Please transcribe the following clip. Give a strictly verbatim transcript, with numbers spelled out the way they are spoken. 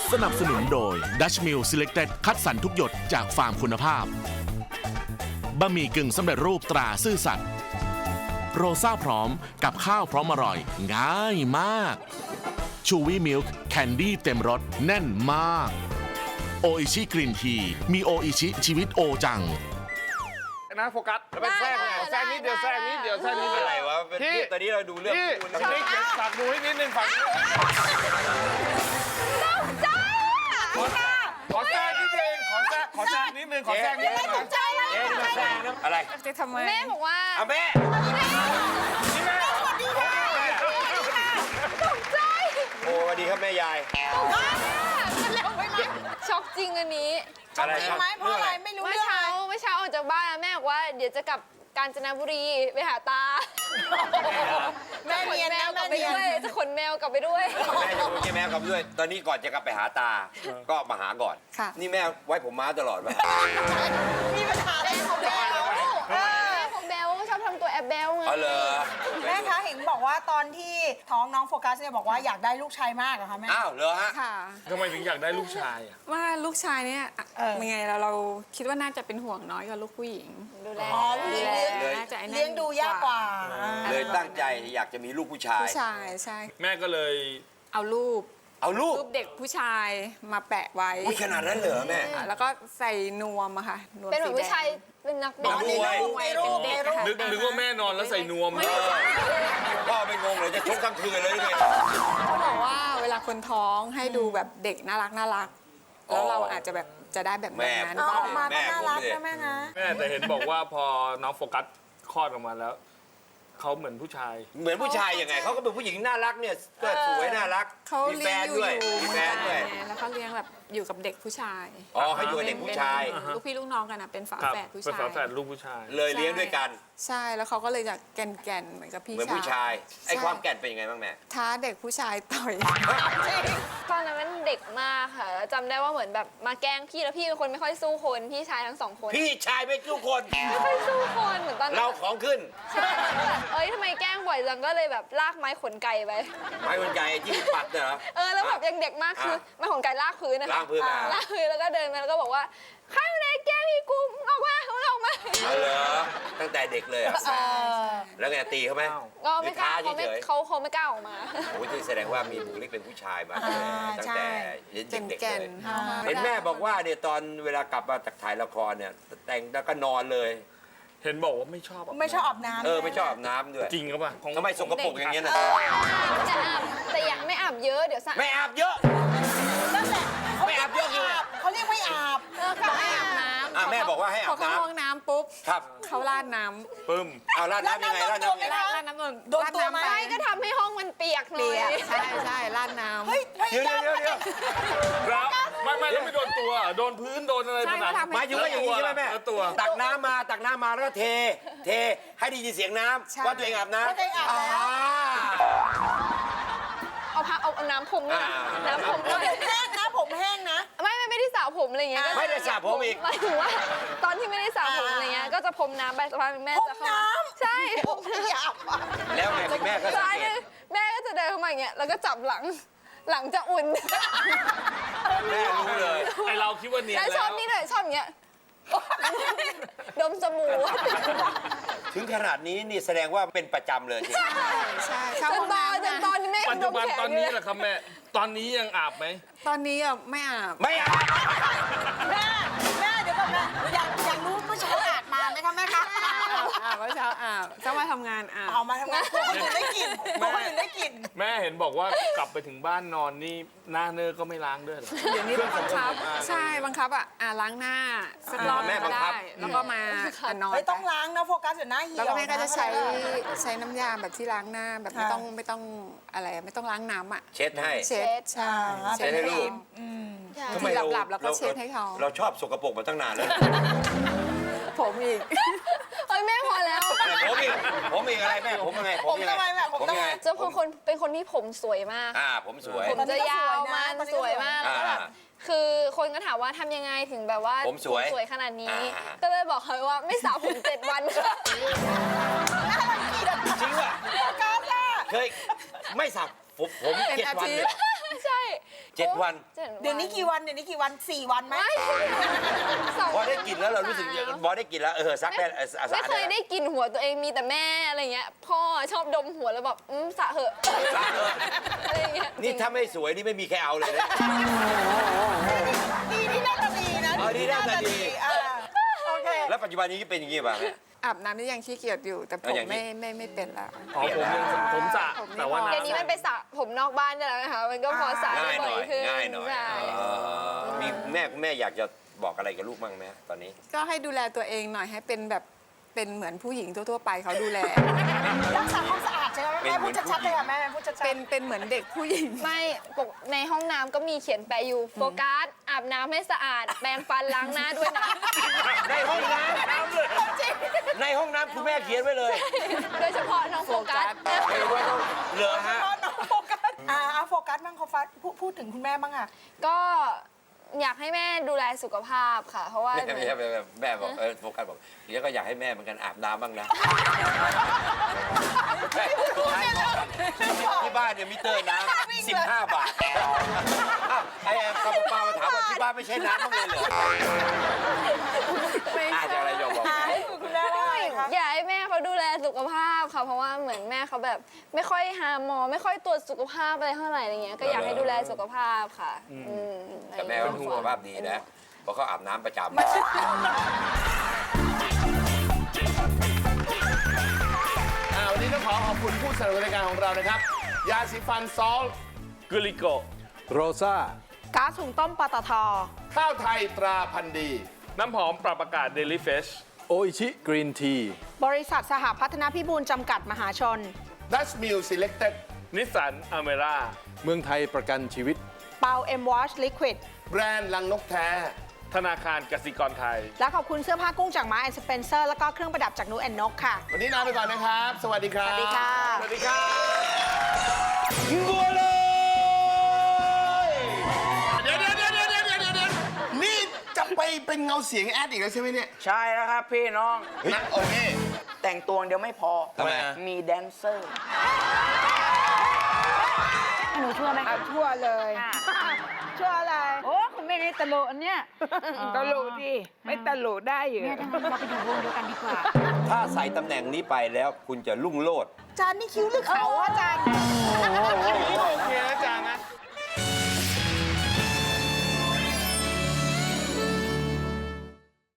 สนับสนุนโดย Dutch Mill Selected คัดสรรทุกหยดจากฟาร์มคุณภาพบะหมี่กึ่งสำเร็จรูปตราซื่อสัตย์โรซ่าพร้อมกับข้าวพร้อมอร่อยง่ายมากชูวี่มิลค์แคนดี้เต็มรสแน่นมากโออิชิกรีนทีมีโออิชิชีวิตโอจังนะโฟกัสแล้วเป็นแทรกไงแทรกนิดเดียวแทรกนิดเดียวแทรกนิดเดียวอะไรวะพี่ตอนนี้เราดูเรื่องพี่คู่นี่เก็บฝากดูให้นิดนึงฝากขอแทรกนิดนึงขอแทรกขอแทรกนิดนึงขอแทรกนิดนึงเอ๊ะมาแทรกนะอะไรจะทำไมแม่บอกว่าเอาแม่นี่แม่ตกใจโอ้สวัสดีครับแม่ยายเร็วไปไหมช็อกจริงอันนี้อะไรครับไหมเพราะอะไรไม่รู้เมื่อเรื่องเช้าอะไรเมื่อเช้าออกจากบ้านแม่บอกว่าเดี๋ยวจะกลับกาญจนบุรีไปหาตาแม่เนียนแมนะวกลัแม่บไปเนียนด้วยจะขนแมวกลับไปด้วยแม่จะพูดแค่แม่กลับด้วย ตอนนี้ก่อนจะกลับไปหาตา ก็มาหาก่อนค่ะนี่แม่ไว้ผมม้าตลอดป่ะมีปัญหาอะไรแม่ของแบแม่ลแม่ของแบลชอบทำตัวแอบแบลไงอ๋อเหรอแม่คะเห็นบอกว่าตอนที่ท้องน้องโฟกัสเนี่ยบอกว่าอยากได้ลูกชายมากเหรอคะแม่อ้าวเหรอฮะค่ะทำไมถึงอยากได้ลูกชายอ่ะว่าลูกชายเนี่ยอ่ะเออยังไงเราเราคิดว่าน่าจะเป็นห่วงน้อยกว่าลูกผู้หญิงดูแลอ๋อผู้หญิงเลี้ยงเลยน่าจะไอ้นั่นเลี้ยงดูยากกว่าเลยตั้งใจอยากจะมีลูกผู้ชายผู้ชายใช่แม่ก็เลยเอารูปเอาลูกรูปเด็กผู้ชายมาแปะไว้อุ้ยขนาดนั้นเหรอแม่อ่ะแล้วก็ใส่นวมอะค่ะนวมเป็นเหมือนสีผู้แดชายงเป็นนักบอ๋ออลนี่ในรูปในรูปในรูปนึกนึกว่าแม่นอนแล้วใส่นวมพ่อไม่งงเลยจะชกทั้งคืนเลยนี่ไงเขาบอกว่าเวลาคนท้องให้ดูแบบเด็กน่ารักน่ารักอ๋อแล้วเราอาจจะแบบจะได้แบบแม่นั้นเอาออกมาแม่ก็น่ารักผมเนี่ยนะแม่นะแม่แต่เห็นบอกว่าพอน้องโฟกัสคลอดออกมาแล้วเขาเหมือนผู้ชายเหมือนผู้ชายยังไงเขาก็เป็นผู้หญิงน่ารักเนี่ยก็สวยน่ารักเขามีแฟเลี้ยงนอยู่ด้วยอยู่มีแฟนด้วยไงแล้วเขาเลี้ยงแบบอยู่กับเด็กผู้ชายอ๋อเขาอยู่กับเด็กผู้ชายเป็นลูกพี่ลูกน้องกันนะเป็นฝาครับแฝดผู้เป็นชายฝาแฝดลูกผู้ชายเลยเลี้ยงด้วยกันใช่แล้วเขาก็เลยจะแก่นๆเหมือนกับพี่เหมือนผู้ชายไอ้ใช่ความแก่นเป็นยังไงบ้างแม่ท้าเด็กผู้ชายต่อยตอนนั้นมันเด็กมากค่ะแล้วจำได้ว่าเหมือนแบบมาแกล้งพี่แล้วพี่เป็นคนไม่ค่อยสู้คนพี่ชายทั้งสองคนพี่ชายไม่ทุกคนไม่ค่อยสู้คนเหมือนตอนนั้นเราของขึ้นใช่แบบเอ้ยทำไมแกล้งบ่อยจังก็เลยแบบลากไม้ขนไก่ไปไม้คนไก่ที่ปัดเนี่ยเหรอเออแล้วแบบยังเด็กมากคือไม้ขนไก่ลากพื้นนะคะลากพื้นมาลากพื้นแล้วก็เดินมาแล้วก็บอกว่าใครมาไหนแกล้งพี่กูมึงออกมามึงออกมาเอาเหรอตั้งแต่เด็กเลยเหรอเออแล้วไงตีเขาไหมก็ไม่กล้าหรือเขาไม่ท้เฉยเขาเขาไม่กล้าออกมาๆโอ้ยที่แสดงว่ามีบุคลิกเป็นผู้ชายมาอ่าตั้งใช่แต่เด็กๆแก่เลนยๆเห็นแม่บอกว่าเนี่ยตอนเวลากลับมาจากถ่ายละครเนี่ยแต่งแล้วก็นอนเลยเห็นบอกว่าไม่ชอบไม่ชอบอาบน้ำเออไม่ชอบอาบน้ำด้วยจริงหรือเปล่าของทำไมสกปรกอย่างเงี้ยนะจะอาบแต่อยากไม่อาบเยอะเดี๋ยวสะไม่อาบเยอะนั่นแหละเขาไม่เรียอาก บเยไม่อะคืออาบเขาเรียกไม่อาบเออเขาไม่อาบน้อ่ะแม่บอกว่าให้พอาอบ เข้าน้ห้องน้ำปุ๊บำครับเขาราดน้ำปึ้มเอาราดน้ำยังไงราดน้ำยังไงราดราดน้ำโดนโดนตัวไหมำไม่ก็ทำให้ห้องมันเปียกหน่อเปียยกใช่ใช่ราดน้ำเฮ้ยพเดี๋ยวยายามเดี๋ยวเดี๋ยวแล้วไม่ไม่แล้วไม่โดนตัวเหรอโดนพื้นโดนอะไรใช่ผนังก็ทำหมายถึงว่าอย่างนี้ใช่ไหมแม่แล้วตัวตักน้ำมาตักน้ำมาแล้วก็เท เทให้ได้ยินเสียงน้ใช่ำว่าตัวเองอาบน้ำว่าตัวเองอาบแล้วเอาพักเอาเอาน้ำพรมด้วยนะอ่าน้ำพรมด้วยผมแห้งนะผมแห้งนะไม่ไม่ไม่ได้สระผมอะไรเงี้ยไม่ได้สระผมอีกหมายถึงว่าตอนที่ไม่ได้สระผมอะไรเงี้ยก็จะพรมน้ำไปสักพักแม่จะเข้ามาใช่พรมไม่อยากอ่ะแล้วไงคุณแม่ก็สังใช่เกตแม่ก็จะเดินเข้ามาอย่างเงี้ยแล้วก็จับหลังหลังจะอุ่นแม่รู้เลยไอเราคิดว่าเนียนแล้วแล้ชอบวนี่เลยชอบอย่างเงี้ยดมสบู่ถึงขนาดนี้นี่แสดงว่าเป็นประจำเลยจริงใช่เข้าจห้อน งตอนน้ำจนตอนนี้แม่ปัจจุบันดมแขตอนนี้แหละครับแม่ ตอนนี้ยังอาบไหมตอนนี้อ่ะไม่อาบไม่อาบแม่แม่เดี๋ยวก่อนนะอยากอยากรู้เมื่อเช้าอาบมาไหมคะแม่คะอาบอาบเมื่อเช้าอาบเช้ามาทำงานอาบเอามาทำงานกลัวคนอื่นได้กลิ่นกลัวคนอื่นได้กลิ่นแม่เห็นบอกว่ากลับไปถึงบ้านนอนนี่หน้าเนอก็ไม่ล้างด้วยเหรอเดี๋ยวนี้ต้องบังคับใช่บังคับอ่ะอ่าล้างหน้าสักรอบแม่บัก็งคัได้บแล้วก็มาอ่ะนอนไม่ต้องล้างนะโฟกัสเดี๋ยวหน้าเหี่ยวแล้วก็แม่ก็จะใช้นใช้น้ำยาแบบที่ล้างหน้าแบบไม่ต้องไม่ต้องอะไรไม่ต้องล้างน้ำอ่ะเช็ดให้เช็ดใช่เช็ดให้ลูกบางทีหลับๆแล้วก็เช็ดให้เขาเราชอบสกปรกมาตั้งนานแล้วผมอีกเฮ้ยแม่พอแล้วผมอีกผมอีกอะไรแม่ผมยังไงผมทำไมแม่ผมผมทำยังไมไงเจะเป็นคนเป็นคนที่ผมสวยมากอ่าผมสวยผมจะยาวมันสวยมากแล้วก็แบบอ่าคือคนก็ถามว่าทำยังไงถึงแบบว่าผมสวยสวยขนาดนี้อ่าก็เลยบอกเขาว่าไม่สระผมเจ็ดวันค่ะจริงว่ะโฟกัสอ่ะเคยไม่สับผมผมเป็นเจ็ดอาวันทิเลตยย์ใช่เจ็ดวันเจ็เดี๋ยวนี้กี่วันเดี๋ยวนี้กี่วันสี่วันไหมสองพอได้กินแล้วเรารู้สึกสมบอได้กินแล้วเออซักได้เออสะอาดไม่เคยได้ได้กลินหัวตัวเองมีแต่แม่อะไรเงี้ยพ่อชอบดมหัวแล้วแบบอืมสระเหอะอะไรเงี้ยนี่ถ้าไม่สวยนี่ไม่มีใครเอาเลยนะดีที่หน่าตาดีนะอ๋อดีหน้าตาดีอ่าโอเคแล้วปัจจุบันนี้เป็นอย่างนี้ป่ะแม่อาบน้ำนี่ยังขี้เกียจอยู่ แต่ผเอามอย่างนี้ไม่ไม่ไม่เป็นแล้วอ๋อผมยังผมสระผมนี่แต่ว่าพอเดี๋ยวนี้มันไปสระผมนอกบ้านได้แล้วนะคะมันก็พอสระง่ายหบ่น่ออย ยขึ้นง่ายหน่อยใช่เออมีแม่แม่อยากจะบอกอะไรกับลูกบ้างไหมตอนนี้ก็ให้ดูแลตัวเองหน่อยให้เป็นแบบเป็นเหมือนผู้หญิงทั่วๆไปเขาดูแลรักษาความสะอาดใช่ไหมเป็นแม่เหมืพูอดนชัดๆเลยค่ะแม่พูดชัดๆเป็นเป็นเหมือนเด็กผู้หญิงไม่ปกในห้องน้ำก็มีเขียนแปะอยู่โฟกัสอาบน้ำให้สะอาดแปรงฟันล้างหน้าด้วยนะในห้องน้ำในห้องน้ำคุณแม่เขียนไว้เลยโดยเฉพาะน้องโฟกัสเห็นว่าต้องเหลือฮะน้องโฟกัสอ่าเอาโฟกัสบ้างโฟกัสพูดพูดถึงคุณแม่บ้างอ่ะก็อยากให้แม่ดูแลสุขภาพค่ะ เพราะว่าแม่แม่แม่แม่บอกเออโฟกัสบอกเดี๋ยวก็อยากให้แม่เหมือนกันอาบน้ำบ้างนะที่บ้านเนี่ยมิเตอร์น้ำสิบห้าบาทอ้าวไอ้กระเป๋ามาถามว่าที่บ้านไม่ใช่น้ำบ้างเลยเหรอไม่อาจใช่จะอะไรอยากบอกอ่าให้คุณแม่ว่าอะไรคะอยากให้แม่เขาดูแลสุขภาพค่ะเพราะว่าเหมือนแม่เขาแบบ ไม่ค่อยหาหมอไม่ค่อยตรวจสุขภาพอะไรเท่าไหร่อะไรเงี้ยก็อยากให้ดูแลสุขภาพค่ะอืมแต่แม่ก็สุขภาพดีนะเพราะเขาอาบน้ำประจำอ่าวันนี้ต้องขอขอบคุณผู้สนับสนุนรายการของเรานะครับ ยาสีฟันซอลกุลิโกโรซ่าก๊าซหุงต้มปตทข้าวไทยตราพันธุ์ดีน้ำหอมปรับอากาศเดลิเฟชโออิชิกรีนทีบริษัทสหพัฒนพิบูลจำกัดมหาชนดัชมิลซีเล็กเต็ดนิสสันอเมร่าเมืองไทยประกันชีวิตเปาเอ็มวอชลิควิดแบรนด์ลังนกแท้ธนาคารกสิกรไทยและขอบคุณเสื้อผ้ากุ้งจากมาแอนด์สเปนเซอร์แล้วก็เครื่องประดับจากนูแอนนกค่ะวันนี้ลาไปก่อนนะครับ สวัสดีครับสวัสดีค่ะสวัสดีครับบัวเลยเดี๋ยวเดี๋ยวเดี๋ยวเดี๋ยวเดี๋ยวเดี๋ยวเดี๋ยวนี่จะไปเป็นเงาเสียงแอดอีกแล้วใช่ไหมเนี่ยใช่แล้วครับพี่น้องนะโอ้นี่แต่งตัวเดียวไม่พอทำไมมีแดนเซอร์หนูชั่วไหมเอาทั่วเลยช่วยอะไรโอ้คุณแม่ได้ตลกอันเนี้ยตลกดิไม่ตลกได้อยู่แม่ถ้างั้นเราไปอยู่วงเดียวกันดีกว่าถ้าใส่ตำแหน่งนี้ไปแล้วคุณจะรุ่งโรจน์จานนี่คิ้วหรือเขาอะจานโอเคนะจางนะ